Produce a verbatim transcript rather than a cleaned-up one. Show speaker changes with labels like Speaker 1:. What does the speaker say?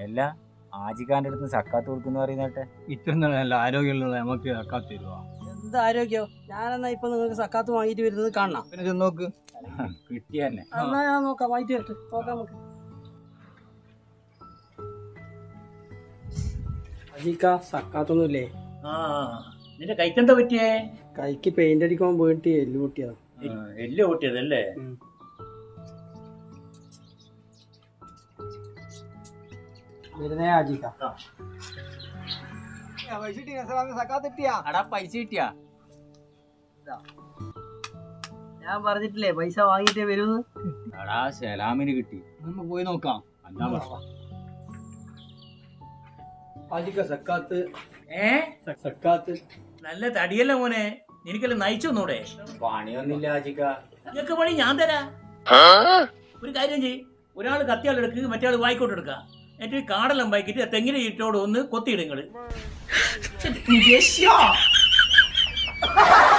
Speaker 1: എല്ലാ ആജിക്കാന്റെ അടുത്ത് സക്കാത്ത് കൊടുക്കുന്ന പറയുന്നേട്ടെ.
Speaker 2: ഇത്ര നല്ല ആരോഗ്യമുള്ള നമുക്ക് സക്കാത്ത് തരുവാ.
Speaker 3: എന്ത് ആരോഗ്യോ? ഞാനെന്നാ ഇപ്പൊ നിങ്ങൾക്ക് സക്കാത്ത് വാങ്ങിട്ട് വരുന്നത് കാണണം.
Speaker 2: പിന്നെ ചെന്ന് നോക്ക്,
Speaker 1: കിട്ടിയ തന്നെ.
Speaker 3: എന്നാ ഞാൻ നോക്കാം, വാങ്ങിട്ട് വരട്ടെ, നോക്കാം നമുക്ക്. അജിക്ക സക്കാത്തൊന്നുമില്ലേ?
Speaker 4: ആ നിന്റെ കൈക്കെന്താ പറ്റിയേ?
Speaker 3: കൈക്ക് പെയിന്റ് അടിക്കാൻ പോയിട്ട് എല്ല് പൊട്ടിയതാ.
Speaker 4: എല്ല് പൊട്ടിയതല്ലേ?
Speaker 3: വരുന്നേ അജിക്ക.
Speaker 1: അടാ പൈസ കിട്ടിയാ?
Speaker 3: ഞാൻ പറഞ്ഞിട്ടില്ലേ പൈസ വാങ്ങിട്ടേ വരുന്ന്.
Speaker 1: എടാ സലാമിന് കിട്ടി.
Speaker 2: നമ്മ പോയി നോക്കാം.
Speaker 1: അല്ലാ പറ.
Speaker 2: ആജിക്ക സക്കാത്ത്.
Speaker 4: ഏ
Speaker 2: സക്കാത്ത്
Speaker 4: നല്ല തടിയല്ല മോനെ, നിനക്കല്ല നയിച്ചൊന്നൂടെ?
Speaker 1: പണിയൊന്നില്ല ആജിക്ക.
Speaker 4: നിനക്ക് പണി ഞാൻ തരാ. ഒരു കാര്യം ചെയ്യ്, ഒരാള് കത്തിയാളെടുക്ക്, മറ്റേ ആള് വായിക്കോട്ട് എടുക്ക, എന്നിട്ട് കാടെല്ലാം വായിക്കിട്ട് തെങ്ങിന് ചുറ്റോട് ഒന്ന് കൊത്തിയിടുങ്ങള്.